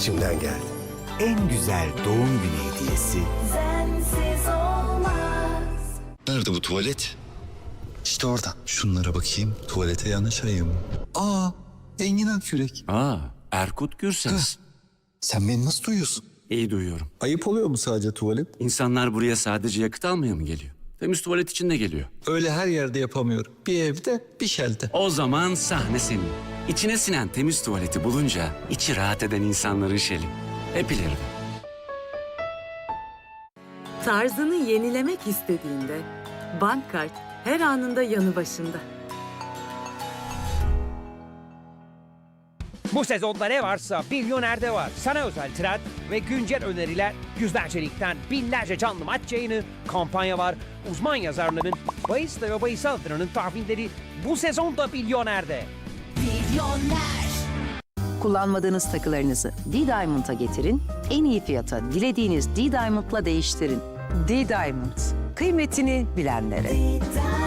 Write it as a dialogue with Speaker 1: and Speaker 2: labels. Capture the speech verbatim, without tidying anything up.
Speaker 1: içimden geldi.
Speaker 2: En güzel doğum günü hediyesi
Speaker 3: Sensiz olmaz.
Speaker 4: Nerede bu tuvalet? İşte orada. Şunlara bakayım. Tuvalete yanaşayım. Aa, Engin Akyürek.
Speaker 5: Aa, Erkut Gürses.
Speaker 4: Sen beni nasıl duyuyorsun?
Speaker 5: İyi duyuyorum.
Speaker 4: Ayıp oluyor mu sadece tuvalet?
Speaker 5: İnsanlar buraya sadece yakıt almaya mı geliyor? Temiz tuvalet için de geliyor.
Speaker 4: Öyle her yerde yapamıyorum. Bir evde, bir şelde.
Speaker 5: O zaman sahne senin. İçine sinen temiz tuvaleti bulunca içi rahat eden insanların şeli. Hep ileride.
Speaker 6: Tarzını yenilemek istediğinde Bankkart her anında yanı başında.
Speaker 7: Bu sezonda ne varsa Milyoner'de var. Sana özel trend ve güncel öneriler, yüzlerce ligden binlerce canlı maç yayını, kampanya var. Uzman yazarların, bahis ve bahis altınının tahminleri bu sezonda Milyoner'de.
Speaker 3: Milyoner.
Speaker 8: Kullanmadığınız takılarınızı D-Diamond'a getirin, en iyi fiyata dilediğiniz D-Diamond'la değiştirin. D-Diamond, kıymetini bilenlere.
Speaker 3: Diamond.